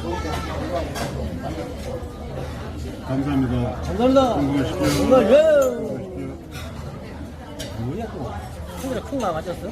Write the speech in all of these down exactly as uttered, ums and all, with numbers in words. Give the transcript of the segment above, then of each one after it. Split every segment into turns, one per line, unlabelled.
감사합니다.
감사합니다.
건강하십시오.
건강하십시오.
건강하십시오.
뭐야 또 큰일에 큰 거 맞았어?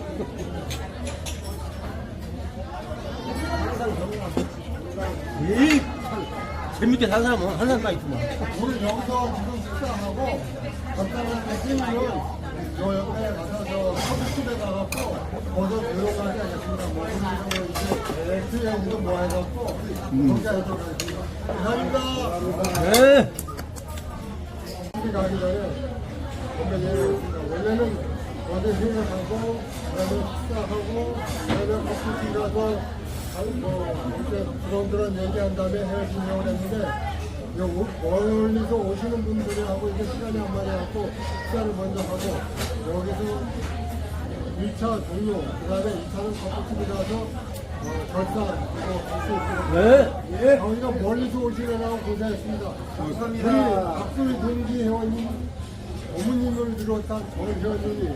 에이 재밌게 산 사람은 한 사람까지 있구만.
우리 여기서 지금 식사하고 간단하게 뛰면 저 옆에 가서 저 커피집에 가갖고 거기서 조용하게 하겠습니다. 뭐 우리 이제 엑스형도 뭐 해갖고 거기 하도록 하겠습니다. 감사합니다.
네.
집에 가기 전에 건배제였습니다. 원래는 어제 회의하고 그다음에 식사하고 그다음에 커피집 가서 뭐 이렇게 그런그런 얘기한 다음에 헤어지려고 했는데 요 멀리서 오시는 분들하고 이제 시간이 안 맞아갖고 식사를 먼저 하고 여기서 일 차 종료 그 다음에 이 차는 커피집이라서 어, 결산 이거 할수 있도록
네. 예.
저희가 멀리서 오시느라고 고생했습니다. 감사합니다. 우리 박수희 동기 회원님 어머님을 비롯한 전 회원님이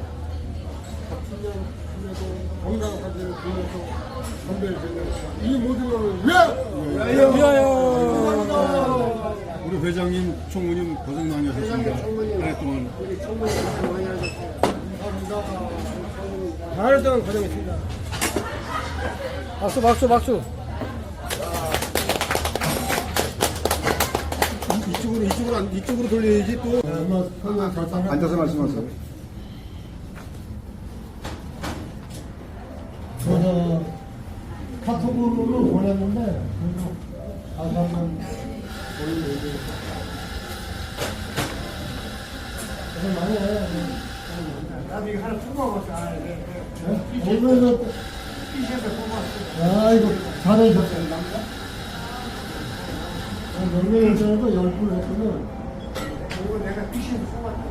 박수년에도 건강하게 빌면서 건배를 드립니다. 이 모든 것을 위하여!
위하여.
우리 회장님, 총무님 고생 많이 하셨습니다. 한 해 동안.
우리 청문회에서 많이 하셨어요. 감사합니다.
하루 동안 고생했습니다. 박수 박수 박수.
이쪽으로, 이쪽으로, 안- 이쪽으로 돌려야지 또.
한번 설명 결단을
앉아서 말씀하세요.
저는 카톡으로 보냈는데 그래도 다시 한번 보는 얘기. 그래서 많이 해요. 나도 이거 하나 뽑아봤어. 오면서 아이고 잘해줬어요. 몇 명이 전에도 열 분 했거든. 이거 내가 피시에서 뽑았다.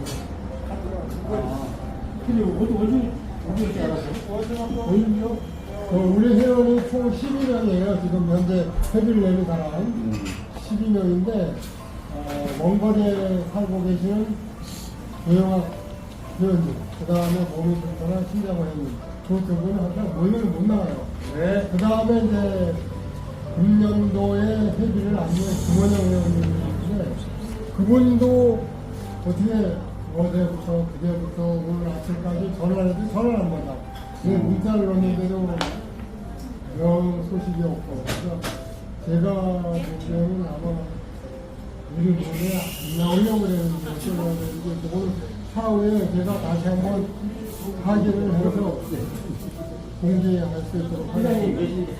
근데 어디 어디 어디 있지 않았어? 어디요? 어, 우리 회원이 총 십이 명이에요. 지금 현재 회비를 내는 사람 십이 명인데 어, 먼 거리에 살고 계시는 조영학 회원님, 그 다음에 몸이 불편한 신장호 회원님, 그 두 분은 항상 모이면 못 나가요.
네.
그 다음에 이제 금년도에 회비를 안내한 김원영 회원님인데 그분도 어떻게 어제부터 그제부터 오늘 아침까지 전화를 해도 전화를 안 받아. 그 문자를 넣는데도 영 소식이 없고. 그래서 제가 보기에는 아마 우리 몸에 안 나오려고 그랬는데 어쩌려고 그랬는데 오늘 차후에 제가 다시 한번 확인을 해서 공개할 수 있도록 하겠습니다.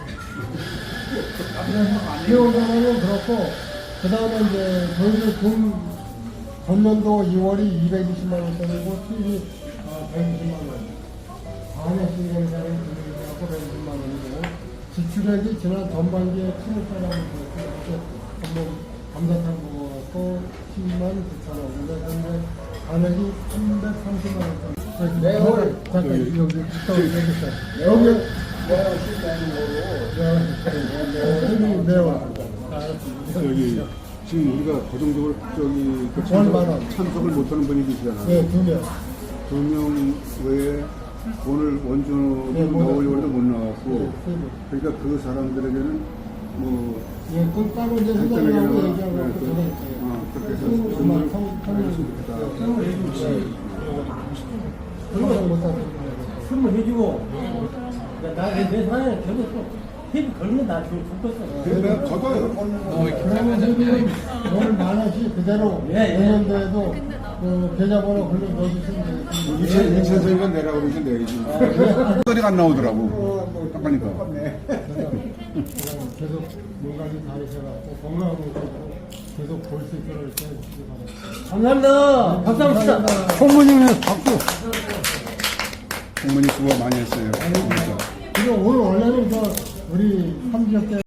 회원자는 그렇고 그 다음에 이제 저희들 돈 전년도 이월이 이백이십만 원짜리고 수입이 어, 백이십만 원. 반에 신경자를 드리고 백이십만 원이고 지출액이 지난 전반기에 칠십사만 원이었고 한번 감사탕 먹었고 십만 구천 원. 근데 현재 반액이 삼백삼십만 원. 매월 잠깐 여기 여기 있어요. 여기 매월 매월.
여기 지금 우리가 고정적으로 저기 그
얼마 원?
참석, 참석을 못하는 분이 계시잖아요.
네, 두 명.
두 명 외에 오늘 원주는
네, 못
나오려고
왔어요.
해도 못 나왔고,
네, 세 명.
그러니까 그 사람들에게는 뭐
예, 그 따로 이제
간단하게
회장님하고
네,
얘기하고
네,
그 전에 있어요.
어, 그렇게 해서
성-
정말
성- 성-
알겠으면 좋겠다.
그런 못하는
술을 해주고 나내 내 사연에 계속 또 회비 걸면 나 지금 죽겠어.
그래서 내가 걷어요.
그러면 회비는 오늘 만 원씩 그대로
예, 예.
내년도에도 그 계좌번호 걸려 넣어주시면 되겠습니다.
이천 이천 세가 내라고 그러시 내야지. 소리가 안 나오더라고. 딱 가니까.
계속 건강히 다니셔갖고 건강하고 계속 볼 수 있도록 이렇게 해주시기 바랍니다.
감사합니다. 박수 한번 치자.
감사합니다.
총무님은 박수. 총무님 수고 많이 했어요. 그러니까.
그리고 오늘 원래는 저 우리 삼지역 때